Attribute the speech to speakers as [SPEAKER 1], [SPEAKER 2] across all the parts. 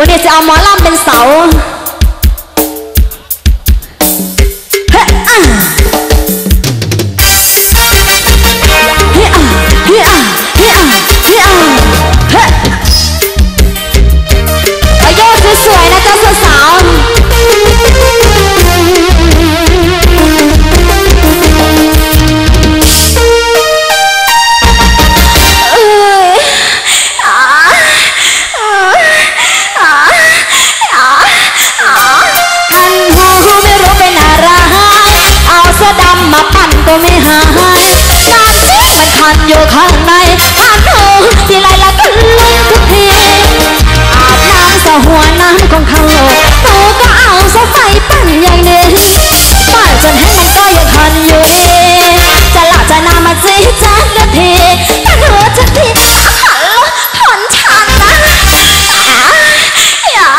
[SPEAKER 1] นี้จะเอาหมอลำเป็นเสาเฮ้เฮ้เฮ้เฮ้เฮ้อายุสวยๆนะเจ้าสาวมาปั่นก็ไม่หายการที่มันคันอยู่ข้างในคันหูทีไรละก็ลงทุกทีอาบน้ำสะหัวน้ำของเขาหนูก็เอาสะไฟปั่นอย่างนี้ปั่นจนให้มันก็ยังคันอยู่ดีจะหลับจะนอนมาจีจักนาทีคันหัวจะทีถอนชันนะอย่า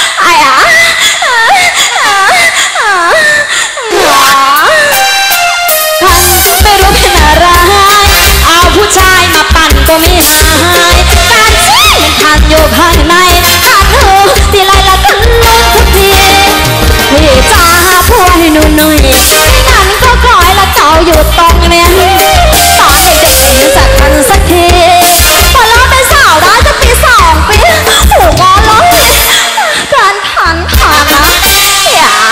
[SPEAKER 1] ไม่รู้เป็นอะไรเอาผู้ชายมาปั่นก็ไม่หายการที่มันคันอยู่ข้างในคันหูทีไรละก็ลงทุกทีพี่จ้าพูดให้หนูหน่อยไม่งั้นก็คอยละเจ้าอยู่ตรงนี้ตอนเด็กๆไม่จัดกันสักทีพอเราเป็นสาวได้จะปี2 ปีหูงอร้องการผ่านนะอย่า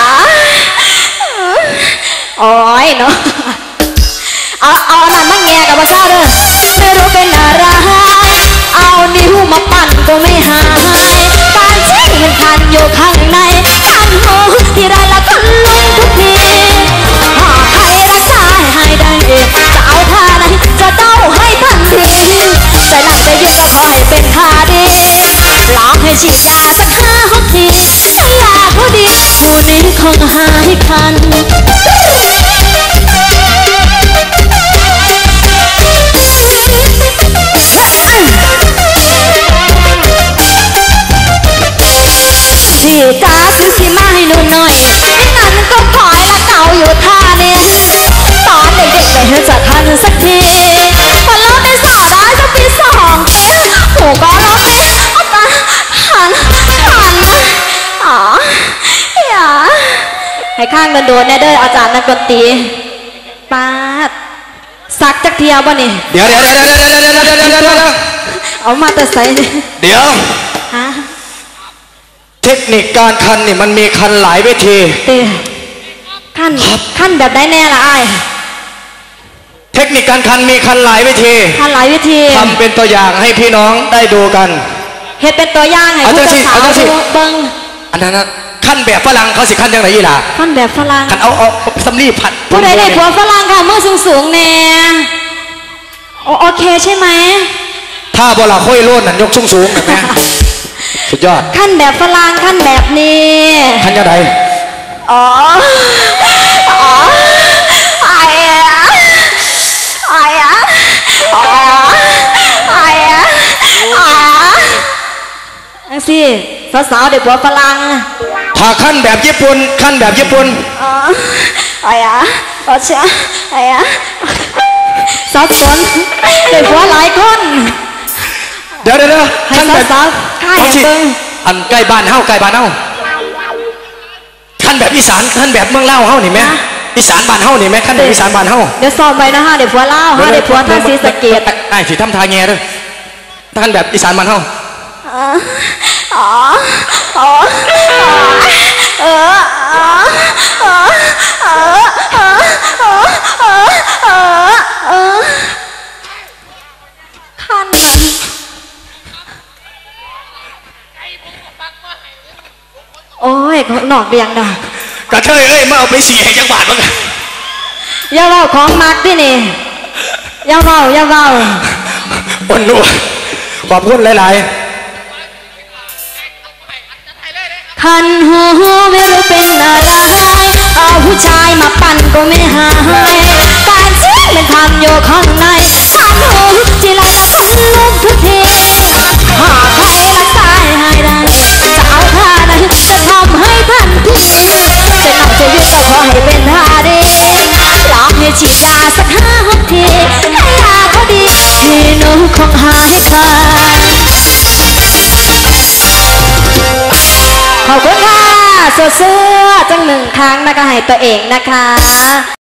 [SPEAKER 1] โอ้ยเนาะเอาอันนั้นมาแง่กับภาษาเด้อไม่รู้เป็นอะไรเอานิ้วมาปั่นก็ไม่หายการที่มันคันอยู่ข้างในคันหูที่ไรละก็ลงทุกทีหากใครรักษาให้ได้จะเอาท่าไหนจะเต้าให้ทันทีจะนั่งจะยืนก็ขอให้เป็นท่าดีลองให้ฉีดยาสัก5-6 ทีถ้ายาเขาดีผู้นี้คงหายคันพี่จ้าซื้อขี้มาให้หนูหน่อยไม่งั้นก็คอยละเก่าอยู่ท่านี้ตอนเด็กๆไม่เห็นจะทันสักทีพอเราเป็นสาวได้จะปี2 ปีหูก็ร้องไม่เอาตาหันอ๋ออย่าให้ข้างโดนๆเนี่ยเด้ออาจารย์นักดนตรีปาดสักจักเทียวบ่นี่
[SPEAKER 2] เดี๋ยว
[SPEAKER 1] เอามาแต่ใส่
[SPEAKER 2] เดี๋ยว
[SPEAKER 1] ฮะ
[SPEAKER 2] เทคนิคการคันนี่มันมีคันหลายวิธี
[SPEAKER 1] คันแบบได้แน่ละไอ้
[SPEAKER 2] เทคนิคการคันมีคันหลายวิธีทำเป็นตัวอย่างให้พี่น้องได้ดูกัน
[SPEAKER 1] เฮ็ดเป็นตัวอย่างให้ผู้สาวเบิ้ง
[SPEAKER 2] อันนั้นคันแบบฝรั่งเขาสิคันยังไงล่ะ
[SPEAKER 1] คันแบบฝรั่ง
[SPEAKER 2] คันเอาสำลีผัด
[SPEAKER 1] ผู้ใดได้ผัวฝรั่งค่ะมือสูงแน่โอเคใช่ไหม
[SPEAKER 2] ถ้าโบราณค่อยโลดนั่นยกสูงแบบนี้สุดยอด
[SPEAKER 1] ขั้นแบบฝรั่งขั้นแบบนี้
[SPEAKER 2] ขั้นยังไง
[SPEAKER 1] สิสาวเด็กผัวฝรั่ง
[SPEAKER 2] ถ้าขั้นแบบญี่ปุ่น
[SPEAKER 1] สับสนเด็กผัวหลายคน
[SPEAKER 2] เดี๋ยว
[SPEAKER 1] ขั้นแบบ
[SPEAKER 2] อันใกล้บ้านเฮาขั้นแบบอีสานขั้นแบบเมืองเล่าเฮานี่ไหมอีสานบ้านเฮานี่ไหมขั้นแบบอีสานบ้านเฮา
[SPEAKER 1] เดี๋ยวสอบไปนะฮะเด็กผัวเล่าฮะเด็กผัวท่าศรีสะเกษ
[SPEAKER 2] ไอ้สิทำทาแง่ด้วยขั้นแบบอีสานบ้านเฮา
[SPEAKER 1] ขั้นโอ้ยหนอกเรียงดอก
[SPEAKER 2] กระเทยมาเอาไป4 แห่งจังหวัดมั้ง
[SPEAKER 1] อย่าเล่าของมักที่นี่อย่าเล่า
[SPEAKER 2] วันนู้ขอบคุณหลาย
[SPEAKER 1] คันหูไม่รู้เป็นอะไรเอาผู้ชายมาปั่นก็ไม่หายการที่มันคันอยู่ข้างในคันหูทีไรละก็ลุกทุกทีหากใครรักษาให้ได้จะเอาท่าไหนจะทำให้ทันทีจะนั่งจะยืนก็ขอให้เป็นท่าดีลองให้ฉีดยาสัก5-6 ทีถ้ายาเขาดีพี่หนูคงหายขาดเสื้อจังหนึ่งครั้งนะคะให้ตัวเองนะคะ